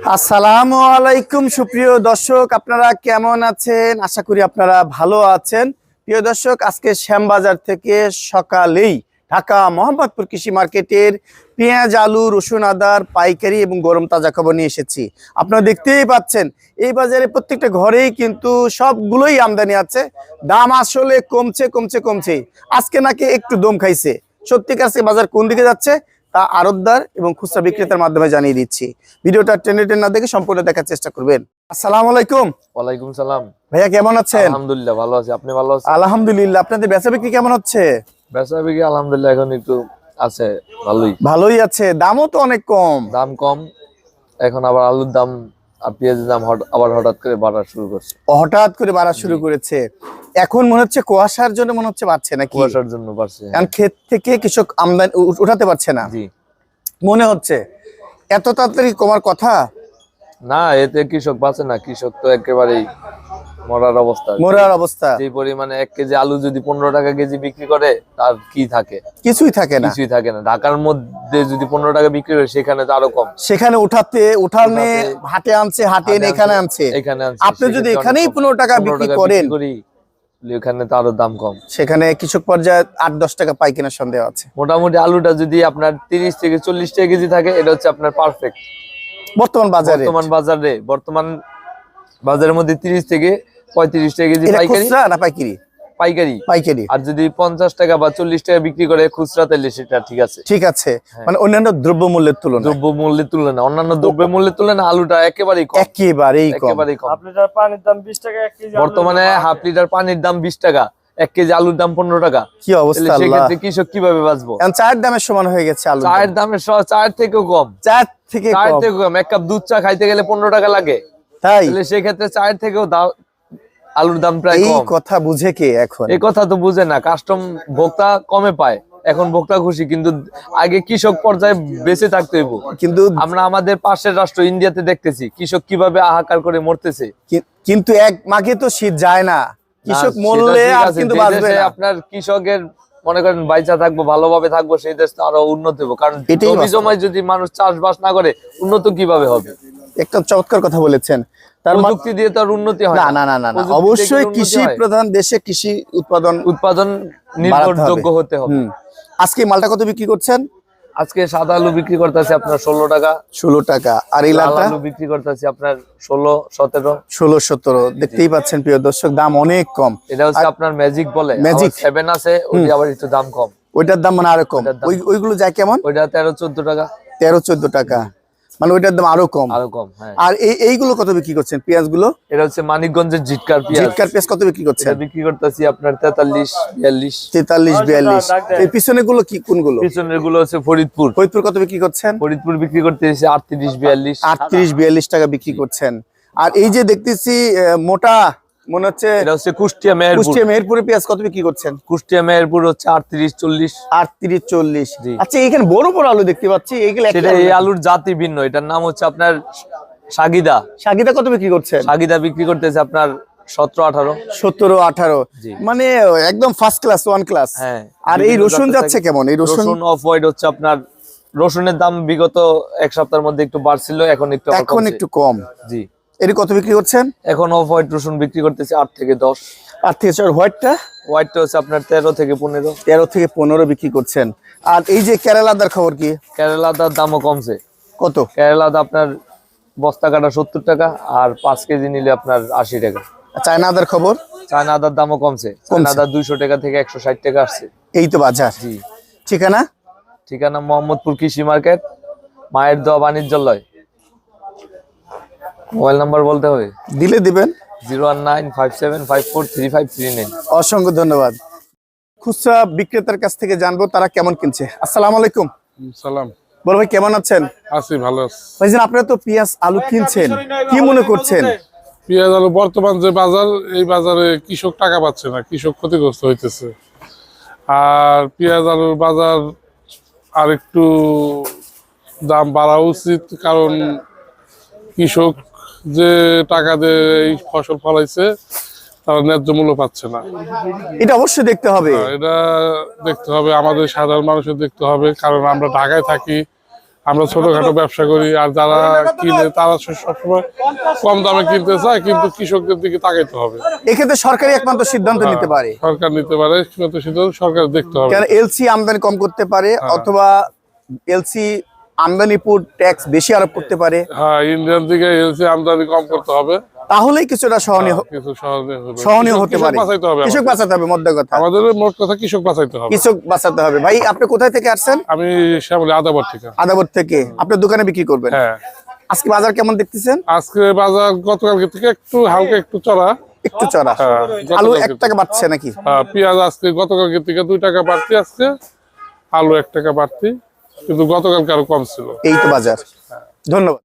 আসসালামু আলাইকুম সুপ্রিয় দর্শক, আপনারা কেমন আছেন? আশা করি আপনারা ভালো আছেন। প্রিয় দর্শক, আজকে শ্যামবাজার থেকে সকালেই ঢাকা মোহাম্মদপুর কৃষি মার্কেটের পেঁয়াজ, আলু, রসুন, আদার পাইকারি এবং গরম তাজা খবর নিয়ে এসেছি। আপনারা দেখতেই পাচ্ছেন এই বাজারে প্রত্যেকটা ঘরেই কিন্তু সবগুলোই আমদানি আছে। দাম আসলে কমছে কমছে কমছে, আজকে নাকি একটু দম খাইছে। সত্যিকার আজকে বাজার কোন দিকে যাচ্ছে তা আড়তদার এবং খুচরা বিক্রেতার মাধ্যমে জানিয়ে দিচ্ছি। ভিডিওটা টেনে টেনে না দেখে সম্পূর্ণ দেখার চেষ্টা করবেন। আসসালামু আলাইকুম। ওয়ালাইকুম সালাম। ভাইয়া কেমন আছেন? আলহামদুলিল্লাহ ভালো আছি, আপনি ভালো আছেন? আলহামদুলিল্লাহ। আপনাদের বেচা বিক্রি কেমন হচ্ছে? বেচা বিক্রি আলহামদুলিল্লাহ এখন একটু আছে, ভালোই আছে। দামও তো অনেক কম। দাম কম। এখন আবার আলুর দাম আর পেঁয়াজের দাম আবার হঠাৎ করে বাড়া শুরু করছে। হঠাৎ করে বাড়া শুরু করেছে। এখন মনে হচ্ছে কুয়াশার জন্য মনে হচ্ছে বাড়ছে নাকি? কুয়াশার জন্য বাড়ছে, কারণ ক্ষেত থেকে কৃষক আমদানি উঠাতে পারছে না। জি মনে হচ্ছে এত তাড়াতাড়ি কমার কথা না, এতে কৃষক বাঁচে না। কৃষক তো একেবারেই মরার অবস্থা। যে পরিমাণে 1 কেজি আলু যদি 15 টাকা কেজি বিক্রি করে, তার কি থাকে? কিছুই থাকে না। ঢাকার মধ্যে যদি 15 টাকা বিক্রি হয়, সেখানে তো আরো কম। সেখানে উঠানে হাটে আনছে, হাটে এখানে আনছে। আপনি যদি এখানেই 15 টাকা বিক্রি করেন, এখানে তো আরো দাম কম। সেখানে কৃষক পর্যায়ে 8-10 টাকা পাই কেনার সন্দেহ আছে। মোটামুটি আলুটা যদি আপনার 30 থেকে 40 টাকা কেজি থাকে, এটা হচ্ছে আপনার পারফেক্ট বর্তমান বাজারের মধ্যে। 30 থেকে 35 টাকা কেজি পাইকারি। আর যদি 50 টাকা বা 40 টাকা বিক্রি করে খুচরা, তাহলে সেটা ঠিক আছে। মানে অন্যান্য দ্রব্যমূল্যের তুলনায় অন্যান্য দ্রব্যমূল্যের তুলনায় আলুটা একেবারেই কম। পানির দাম 20 টাকা 1 কেজি। বর্তমানে হাফ লিটার পানির দাম 20 টাকা, 1 কেজি আলুর দাম 15 টাকা। কি অবস্থা! সেক্ষেত্রে কৃষক কিভাবে বাঁচবো? চায়ের দামের সমান হয়ে গেছে আলু। চায়ের দামের চায়ের থেকেও কম। চায়ের থেকে কম। 1 কাপ দুধ চা খাইতে গেলে 15 টাকা লাগে। তাই সেক্ষেত্রে চায়ের থেকেও আলুর দাম প্রায় কম। এই কথা বুঝে কে এখন? এই কথা তো বুঝে না। কাস্টম ভোক্তা কমে পায়, এখন ভোক্তা খুশি। কিন্তু আগে কৃষক পর্যায়ে বেঁচে থাকতে হইব। কিন্তু আমরা আমাদের পাশের রাষ্ট্র ইন্ডিয়াতে দেখতেছি কৃষক কিভাবে হাহাকার করে মরতেছে। কিন্তু এক মাঘে তো শীত যায় না, কৃষক মরলে আর কিন্তু বাঁচবে না। আপনার কৃষকের মনে করেন বাইচা থাকবো, ভালোভাবে থাকবো, সেই দেশ তো আরো উন্নত হবে। কারণ জমি জমায় যদি মানুষ চাষবাস না করে, উন্নত কিভাবে হবে? একটা চমৎকার কথা বলেছেন। প্রযুক্তি দিয়ে তো আর উন্নতি হয় না। অবশ্যই কৃষি প্রধান দেশে কৃষি উৎপাদন নির্ভরযোগ্য হতে হবে। আজকে মালটা কত বিক্রি করছেন? আজকে সাদা আলু বিক্রি করতেছি আপনার 16 টাকা। আর এই লাল আলু বিক্রি করতেছি আপনার 16-17। দেখতেই পাচ্ছেন প্রিয় দর্শক, দাম অনেক কম। এটা হচ্ছে আপনার ম্যাজিক বলে, 7 আছে, ওইটা আবার একটু দাম কম। ওইটার দাম মানে আরো কম। ওইগুলো যায় কেমন? ওইটা 13-14 টাকা। 13-14 টাকা, মানে ওইটার দাম আরো কম। হ্যাঁ। আর এইগুলো কত বিক্রি করছেন পেঁয়াজ গুলো? এটা হচ্ছে মানিকগঞ্জের জিটকার পেঁয়াজ কত বিক্রি করছেন? বিক্রি করতেছি আপনার 43-42। 43-42। এই পিছনে গুলো কি কোনগুলো? পিছনের গুলো হচ্ছে ফরিদপুর কত বিক্রি করছেন? ফরিদপুর বিক্রি করতেছি 38-42। 38-42 টাকা বিক্রি করছেন। আর এই যে দেখতেছি মোটা, মনে হচ্ছে এটা হচ্ছে কুষ্টিয়া মেহেরপুরে পেঁয়াজ কত বিক্রি করছেন? কুষ্টিয়া মেহেরপুর হচ্ছে 38-40। 38-40। আচ্ছা, এখানে বড় বড় আলু দেখতে পাচ্ছি, এইগুলো এই আলুর জাতি ভিন্ন। এটার নাম হচ্ছে আপনার সাগিদা। কত বিক্রি করছেন? সাগিদা বিক্রি করতেছে আপনার 17-18। মানে একদম ফার্স্ট ক্লাস, ওয়ান ক্লাস। হ্যাঁ। আর এই রসুন যাচ্ছে কেমন? এই রসুন অফ হোয়াইট হচ্ছে আপনার, রসুনের দাম বিগত এক সপ্তাহের মধ্যে একটু বাড়ছিল, এখন একটু কম। জি। এর কত বিক্রি করছেন? এখন অফ হোয়াইট রসুন বিক্রি করতেছে 8 থেকে 10। 8 থেকে 10। হোয়াইটটা হচ্ছে আপনার 13 থেকে 15। 13 থেকে 15 বিক্রি করছেন। আর এই যে কেরালাদার খবর কি? কেরালাদার দামও কমছে। কত? কেরালাদা আপনার বস্তা কাটা 70 টাকা, আর 5 কেজি নিলে আপনার 80 টাকা। চায়নাদার খবর? চায়নাদার দামও কমছে। চায়নাদার 200 টাকা থেকে 160 টাকা আসছে। এই তো বাজার। জি। ঠিকানা মোহাম্মদপুর কৃষি মার্কেট, মায়ের দোয়া বাণিজ্যালয়। মোবাইল নাম্বার বলতে হবে? দিলে দিবেন। 01957543539। অসংখ্য ধন্যবাদ। খুচরা বিক্রেতার কাছ থেকে জানবো তারা কেমন কিনছে। আসসালামু আলাইকুম। সালাম। বড় ভাই কেমন আছেন? আছি, ভালো আছি। ভাইজান, আপনারা তো পেঁয়াজ আলু কিনছেন, কি মনে করছেন? পেঁয়াজ আলু বর্তমান যে বাজার, এই বাজারে কৃষক টাকা পাচ্ছে না, কৃষক ক্ষতিগ্রস্ত হইতেছে। আর পেঁয়াজ আলুর বাজার আর একটু দাম বাড়া উচিত, কারণ কৃষক যে টাকা দিয়ে এই ফসল ফলাইছে, তারা ন্যায্য মূল্য পাচ্ছে না। এটা অবশ্যই দেখতে হবে। এটা দেখতে হবে, আমাদের সাধারণ মানুষের দেখতে হবে, কারণ আমরা ঢাকায় থাকি, আমরা ছোটখাটো ব্যবসা করি, আর যারা কিনে তারা সবসময় কম দামে কিনতে চায়, কিন্তু কৃষকদের দিকে তাকাইতে হবে। এক্ষেত্রে সরকারি একমাত্র সিদ্ধান্ত নিতে পারে, সরকার নিতে পারে, সিদ্ধান্ত সরকার দেখতে হবে। কারণ এলসি আমদানি কম করতে পারে, অথবা এলসি আমদানির উপর ট্যাক্স বেশি আরোপ করতে পারে। হ্যাঁ, ইন্ডিয়ান দিকে এলসি আমদানি কম করতে হবে, তাহলেই কিছুটা সহনীয় হতে পারে। কৃষক বাঁচাতে হবে, মোদ্দা কথা আমাদের মোট কথা কৃষক বাঁচাইতে হবে, কৃষক বাঁচাতে হবে। ভাই আপনি কোথায় থেকে আসছেন? আমি শ্যামলী আদাবর থেকে। আদাবর থেকে আপনার দোকানে বিক্রি করবেন? হ্যাঁ। আজকে বাজার কেমন দেখতেছেন? আজকে বাজার গতকালকে থেকে একটু হালকা একটু চড়া। আলু 1 টাকা বাড়ছে নাকি? পেঁয়াজ আজকে গতকালকে থেকে 2 টাকা বাড়তি, আজকে আলু 1 টাকা বাড়তি, কিন্তু গতকালকে আরো কম ছিল। এই তো বাজার। ধন্যবাদ।